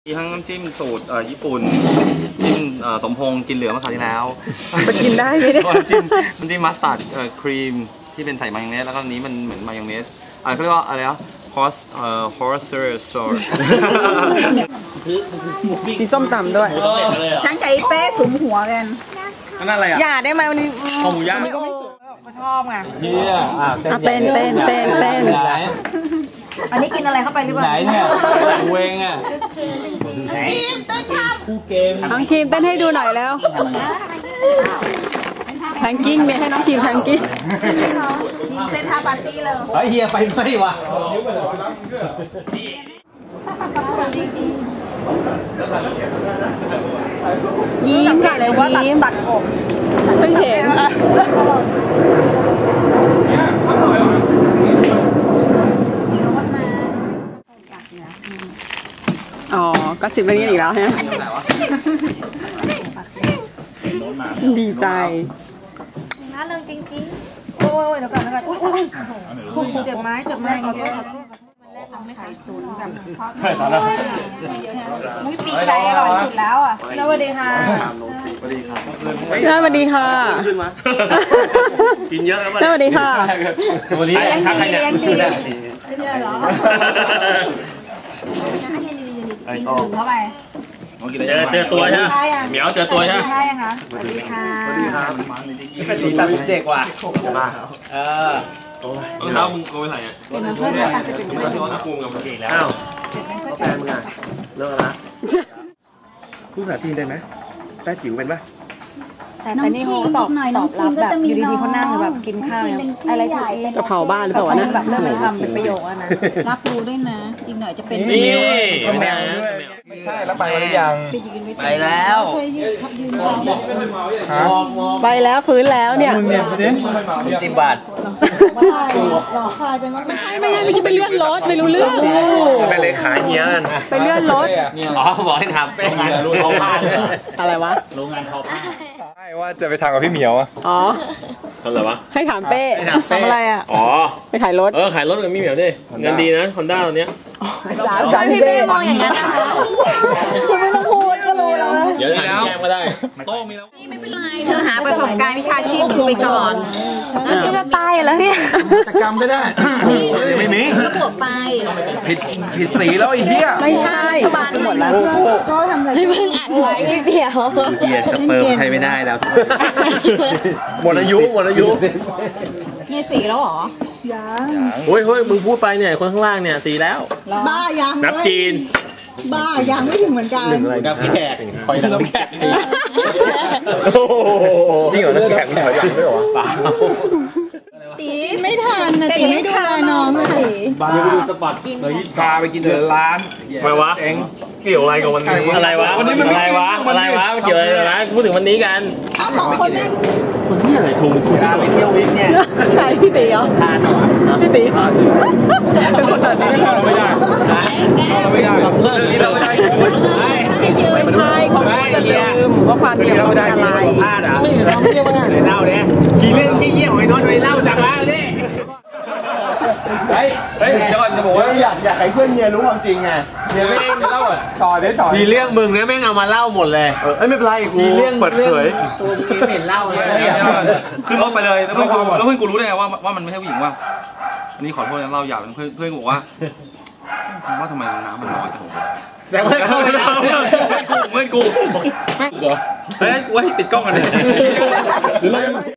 มีทั้งน้ำจิ้มสูตรญี่ปุ่นจิ้มสมพงษ์กินเหลือเมื่อคราวที่แล้วมันกินได้ไหมเนี่ยน้ำจิ้มมัสตาร์ดครีมที่เป็นใส่มายองเนสแล้วก็นี้มันเหมือนมายองเนสเขาเรียกว่าอะไรนะhorse sauce มีส้มตำด้วยฉันกับไอ้เป้สุมหัวกันนั่นอะไรอ่ะอย่าได้ไหมวันนี้ข้าวหมูย่างก็ไม่สุกเขาชอบไงเต้นอันนี้กินอะไรเข้าไปหรือเปล่าไหนเนี่ยเวงอ่ะคู่เกมน้องทีมเต้นให้ดูหน่อยแล้วแทงกิ้งเนี่ยให้น้องทีมแทงกิ้งเต้นท่าปาร์ตี้เลยเฮียไปไหมวะยิ้มกันเลยยิ้มตัดผมเพิ่งเห็นอ๋อก็สิบเป็นกันอีกแล้วฮะดีใจน่าเริงจริงๆโอ้ยเดี๋ยวก่อนคุณเจ็บไม้ขอโทษทำไม่ขายตุ๋นแบบมุ้ยปีกไก่อร่อยสุดแล้วอ่ะสวัสดีค่ะสวัสดีค่ะสวัสดีค่ะขึ้นมากินเยอะแล้วสวัสดีค่ะวันนี้ทักใครเนี่ยกินเหรอกินถึงเข้าไปเจอตัวใช่ไหมเหมียวเจอตัวใช่ไหมใช่ค่ะสวัสดีค่ะสวัสดีครับเป็นสีตาเด็กว่ะรองเท้ามึงโกยไหนอ่ะเป็นเพื่อนกันจะเป็นเพื่อนน้ำปูกับมันเก่งแล้วแฟนมึงอ่ะเลิกแล้วพูดภาษาจีนได้ไหมแต้จิ๋วเป็นปะแต่นี่เขาตอบรับแบบอยู่ดีๆเขานั่งแบบกินข้าวอะไรถูกจะเผาบ้านหรือเปล่านะแบบเริ่มเป็นคำเป็นประโยคนะรับรู้ด้วยนะอีกหน่อยจะเป็นนี่ไม่ใช่แล้วไปหรือยังไปแล้วไปแล้วฟื้นแล้วเนี่ย 10 บาทไม่ใช่ไปเลื่อนรถไม่รู้เรื่องไปเลยขายเงี้ยกันไปเลื่อนรถอ๋อบอกให้ทำเป็นงานรู้เขาพลาดอะไรวะโรงงานเขาพลาดใช่ว่าจะไปทำกับพี่เหมียวอ่ะอ๋อทำอะไรวะให้ถามเป้ทำอะไรอ่ะอ๋อไปขายรถขายรถกับพี่เหมียวดิเงินดีนะคอนด้าตัวเนี้ยพี่เป้มองอย่างนั้นนะคะคุณไม่ต้องพูดก็รู้แล้วเดี๋ยวถามแก้มก็ได้โต้มีแล้วไม่เป็นไรเธอหาประสบการณ์วิชาชีพไปก่อนก็จะตายแล้วเนี่ยกิจกรรมก็ได้ไม่มีก็บวกไปผิดสีแล้วไอ้เหี้ยไม่ใช่หมดแล้วก็ทำอะไรเพิ่งอัดไว้พี่เดียวเกียร์สเปิร์มใช้ไม่ได้แล้วหมดอายุนี่สีแล้วหรอโอ้ยมึงพูดไปเนี่ยคนข้างล่างเนี่ยสีแล้วบ้ายังนับจีนบ้ายังไม่ถึงเหมือนกันนับแขกคอยนับแขกจริงเหรอนับแขกไม่ถอยหลังด้วยหรอตีไม่ทันนะตีไม่ดูแลน้องเลยบ้าไปดูสปอตเลยพาไปกินแต่ร้านมาวะเองเกี่ยวอะไรกับวันนี้อะไรวะวันนี้มันอะไรวะเกี่ยวอะไรนะพูดถึงวันนี้กัน 2 คนเนี่ยคนที่อะไรถูกคุณไปเที่ยววิกเนี่ยใครพี่ตีเหรอพี่ตีเป็นคนตัดนี้เราไม่ได้เราไม่ได้ไม่ใช่เขาจะลืมว่าความเดียวเราเป็นอะไรพลาดอ่ะไม่เราเที่ยวว่าเล่าเนี่ยกี่เรื่องกี่เยี่ยมไอ้น้องไปเล่าจากมาเลยเฮ้ยเดี๋ยวก่อนจะบอกว่าอยากให้เพื่อนเมียรู้ความจริงไงเมียไม่เล่าต่อมีเรื่องมึงเนี่ยแม่งเอามาเล่าหมดเลยไม่เป็นไรกูเรื่องเปิดเผยตัวมึงไม่เห็นเล่าเลยขึ้นรถไปเลยแล้วเพื่อนกูรู้ได้ไงว่ามันไม่ใช่ผู้หญิงว่าอันนี้ขอโทษนะเล่าหยาบเพื่อนกูบอกว่าทำไมน้ำมันน้อยจังแซงไม่เข้าเลยเพื่อนกูแม่งเฮ้ยกูให้ติดกล้องกันเลย